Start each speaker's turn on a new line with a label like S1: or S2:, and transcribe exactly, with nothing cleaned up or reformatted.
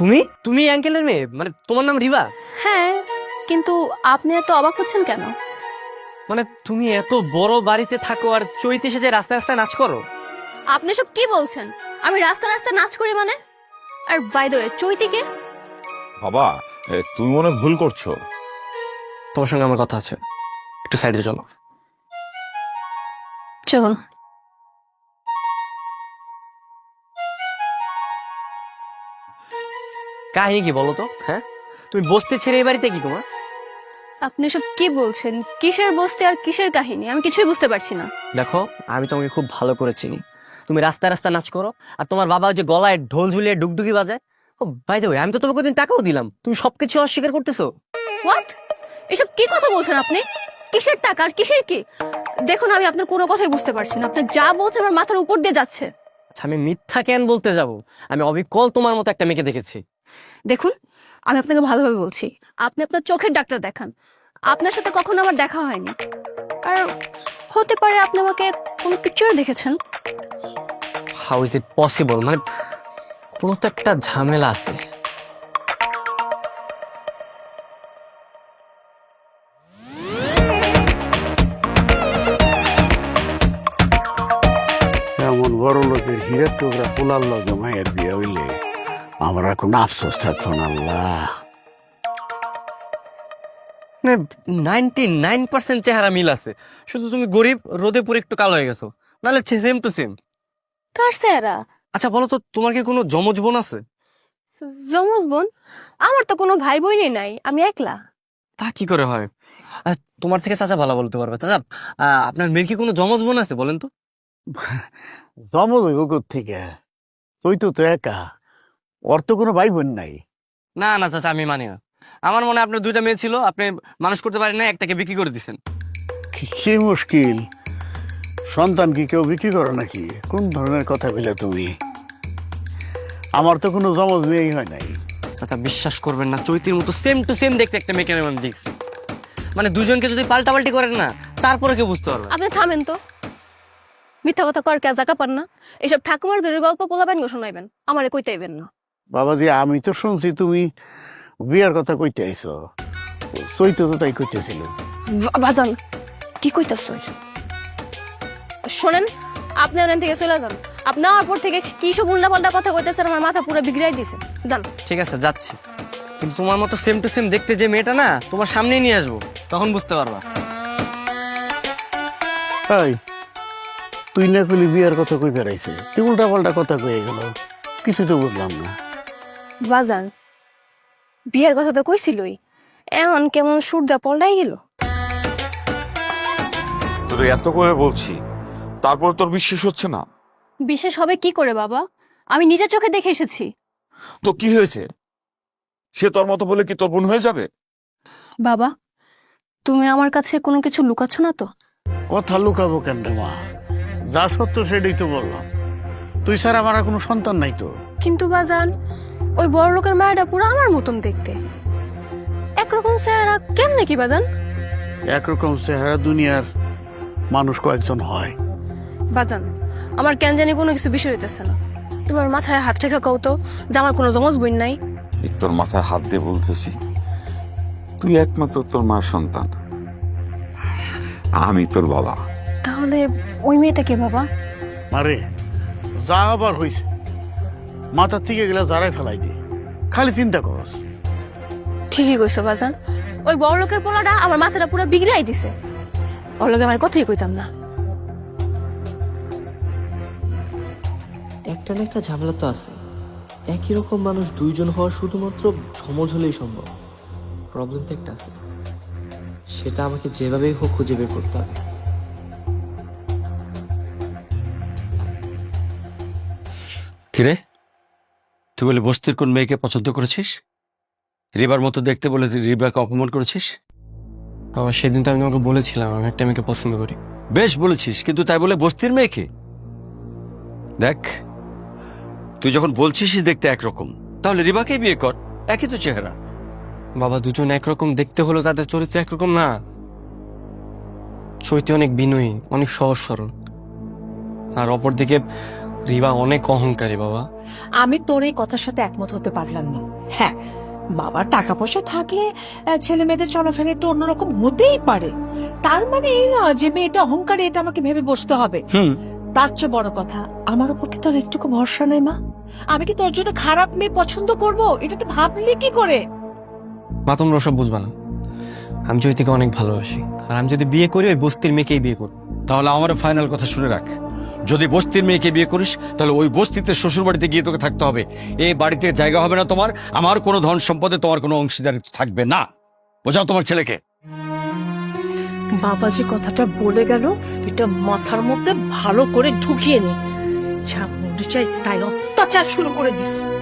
S1: তুমি তুমি আঙ্কেলের মেয়ে, মানে তোমার নাম রিবা?
S2: হ্যাঁ, কিন্তু আপনি এত অবাক হচ্ছেন কেন?
S1: মানে তুমি এত বড় বাড়িতে থাকো আর চৈতে এসে যে রাস্তায় রাস্তায় নাচ করো?
S2: আপনি সব কি বলছেন? আমি রাস্তা রাস্তায় নাচ করি মানে? আর বাই দ্য ওয়ে, চৈতিকে
S3: বাবা, এ, তুমি মনে হয় ভুল করছো।
S1: তোমার সঙ্গে আমার কথা আছে, একটু সাইডে চলো।
S2: চলুন।
S1: কাহিনী কি বলো তো? হ্যাঁ, তুমি বসতে ছেড়ে এই বাড়িতে কি তোমার?
S2: আপনি সব কি বলছেন? কিসের বস্তি আর কিসের কাহিনী? আমি কিছুই বুঝতে পারছি না।
S1: দেখো, আমি তোমাকে খুব ভালো করে চিনি। তুমি রাস্তায় রাস্তায় নাচ করো, আর তোমার বাবা ওই যে গলায় ঢোল ঝুলিয়ে ডুগডুগি বাজায়। ও বাই দ্য ওয়ে, আমি তো তোমাকে ওদিন টাকাও দিলাম, তুমি সবকিছু অস্বীকার করতেছো।
S2: হোয়াট? এসব কি কথা বলছেন আপনি? কিসের টাকা আর কিসের কি? দেখুন, আমি আপনার কোনো কথাই বুঝতে পারছি না। আপনি যা বলছেন আমার মাথার উপর দিয়ে যাচ্ছে।
S1: আচ্ছা, আমি মিথ্যা কেন বলতে যাব? আমি অবিকল তোমার মতো একটা মেয়েকে দেখেছি।
S2: দেখুন, আমি আপনাকে ভালোভাবে বলছি, আপনি আপনার চোখের ডাক্তার দেখান। আপনার সাথে কখনো আমার দেখা হয়নি। আর হতে পারে আপনি আমাকে কোনো পিকচারে দেখেছেন।
S1: How is it possible? মানে কোনো তো একটা ঝামেলা আছে।
S4: এমন বড় লোকের হীরের টুকরা পোলার লগে মায়ের বিয়ে হইলে আমার আর কোনো আফসোস থাকতো না। আল্লাহ,
S1: নাইনটি নাইন পার্সেন্ট চেহারা মিল আছে, শুধু তুমি গরিব, রোদে পুরো একটু কালো হয়ে গেছো, নাহলে সেম টু সেম।
S2: কার চেহারা?
S1: আচ্ছা বলো তো, তোমার কি কোনো যমজ বোন আছে?
S2: যমজ বোন? আমার তো কোনো ভাই বোনই নাই, আমি একলা।
S1: তা কি করে হয়? আহ, তোমার থেকে চাচা ভালো বলতে পারবে। চাচা, আহ, আপনার মেয়ের কি কোনো যমজ বোন আছে বলেন তো?
S4: জমজ হইব থেকে? তুই তো তো একা, ওর তো কোনো ভাই বোন নাই।
S1: না না চাচা, আমি মানি না। আমার মনে হয় আপনার দুইটা মেয়ে ছিল, আপনি মানুষ করতে পারেন না, একটাকে বিক্রি করে দিচ্ছেন।
S4: কি- কি মুশকিল, সন্তান কি কেউ বিক্রি করে নাকি? কোন ধরনের কথা বলে তুমি? আমার তো কোনো জমজ মেয়েই হয় নাই।
S1: চাচা বিশ্বাস করবেন না, চৈতির মতো সেম টু সেম দেখতে একটা মেয়েকে আমি দেখছি। মানে দুজনকে যদি পাল্টাপাল্টি করেন না, তারপরে কেউ বুঝতে পারবে।
S2: আপনি থামেন তো, মিথ্যা কথা কর কে জাকা পান না। এসব ঠাকুমার ধরে গল্প পোলাবেন গো শোনাইবেন, আমারে কইতেইবেন না।
S4: বাবাজি, আমি তো শুনছি তুমি বিয়ার কথা কইতে আইছো। চৈত তো তাই কইতেছিল।
S2: বা- বাজান, কি কইতাছ? শোনেন, আপনি ওখান থেকে চলে যান। আপনি আমার পর থেকে কি সব উল্টা পাল্টা কথা কইতেছেন, আমার মাথা পুরো বিগড়াই দিছে। যান।
S1: ঠিক আছে, যাচ্ছি, কিন্তু তোমার মতো সেম টু সেম দেখতে যে মেয়েটা না, তোমার সামনেই নিয়ে আসবো, তখন বুঝতে পারবা।
S4: তাই তুই না কইলি বিয়ার কথা কই বেড়াইছে, তুই উল্টা পাল্টা কথা কয়ে গেল, কিছু তো বুঝলাম না।
S2: বাজান, বিয়ের কথা তো কইছিলই, এমন কেমন সুরদা পল্টাই গেল।
S3: তোর এত করে বলছি, তারপর তোর বিশ্বাস হচ্ছে না?
S2: বিশেষ হবে কি করে বাবা? আমি নিজের চোখে দেখে এসেছি।
S3: তো কি হয়েছে? সে তোর মতো বলে কি তোর বোন হয়ে যাবে?
S2: বাবা, তুমি আমার কাছে কোনো কিছু লুকাচ্ছ না তো?
S4: কথা লুকাবো কেন রে মা? যা সত্য সেটাই তো বললাম। তুই স্যার আমার আর কোনো সন্তান নাই তো।
S2: কিন্তু বাজান, ওই বড় লোকের মায়েরা পুরো আমার মতন দেখতে। একরকম চেহারা কেমনে কি বাজান?
S4: একরকম চেহারা দুনিয়ার মানুষ কয়েকজন হয়।
S2: বাজান, আমার কেন জানি কোনো কিছু বিষয় হইতেছে না। তোমার মাথায় হাত রেখা কও তো যে আমার কোনো জমজ বোন নাই।
S3: এই তোর মাথায় হাত দিয়ে বলতেছি, তুই একমাত্র তোর মার সন্তান, আমি তোর বাবা।
S2: তাহলে ওই মেয়েটা কে বাবা?
S4: আরে যা আবার হয়েছে, মাথার থেকে গেলে যারাই ফেলাই দে, খালি চিন্তা করস।
S2: ঠিকই কইছো বাজান, ওই বড় লোকের পোলাটা আমার মাথাটা পুরো বিগড়াই দিছে। ওর লগে আমার কথাই কইতাম না।
S5: একটা না একটা ঝামেলা তো আছে। একই রকম মানুষ দুইজন হওয়া শুধুমাত্র সমজ হলেই সম্ভব। প্রবলেম তো একটা আছে, সেটা আমাকে যেভাবেই হোক খুঁজে বের করতে হবে।
S6: কিরে, তুই বলে বস্তির কোন মেয়েকে পছন্দ করেছিস? রিবার মতো দেখতে বলে তুই রিবাকে অপমান করেছিস?
S1: বাবা, সেদিন তো আমি তোমাকে বলেছিলাম আমি একটা মেয়েকে পছন্দ করি।
S6: বেশ বলেছিস, কিন্তু তাই বলে বস্তির মেয়েকে? দেখ, তুই যখন বলছিসই দেখতে একরকম, তাহলে রিবাকেই বিয়ে কর, একই তো চেহারা।
S1: বাবা, দুজন একরকম দেখতে হলো তাদের চরিত্র একরকম না। চৈতি অনেক বিনয়ী, অনেক সহজ সরল, আর অপরদিকে রিবা অনেক অহংকারী বাবা।
S7: আমি তোর এই কথার সাথে একমত হতে পারলাম না। হ্যাঁ, বাবার টাকা পয়সা থাকলে আহ, ছেলে মেয়েদের চলাফেরা একটু অন্যরকম হতেই পারে। তার মানে এই না যে মেয়েটা অহংকারী, এটা আমাকে ভেবে বসতে হবে।
S1: হুম।
S7: তার চেয়ে বড় কথা, আমার উপর কি তোর একটুকু ভরসা নেই মা? আমি কি তোর জন্য খারাপ মেয়ে পছন্দ করব? এটা তো ভাবলি কি করে?
S1: মা তোমরা ওসব বুঝবা না। আমি জয়িতাকে অনেক ভালোবাসি, আর আমি যদি বিয়ে করি ওই বস্তির মেয়েকেই বিয়ে করব।
S6: তাহলে আমার ফাইনাল কথা শুনে রাখ, যদি বস্তির মেয়েকে বিয়ে করিস তাহলে ওই বস্তিতে শ্বশুর বাড়িতে গিয়ে তোকে থাকতে হবে। এই বাড়িতে জায়গা হবে না তোমার, আমার কোনো ধন সম্পদে তোমার কোনো অংশীদারিত্ব থাকবে না। বোঝাও তোমার ছেলেকে।
S7: বাবা যে কথাটা বলে গেল, এটা মাথার মধ্যে ভালো করে ঢুকিয়ে নে। যা মনে চাই তাই অত্যাচার শুরু করে দিস।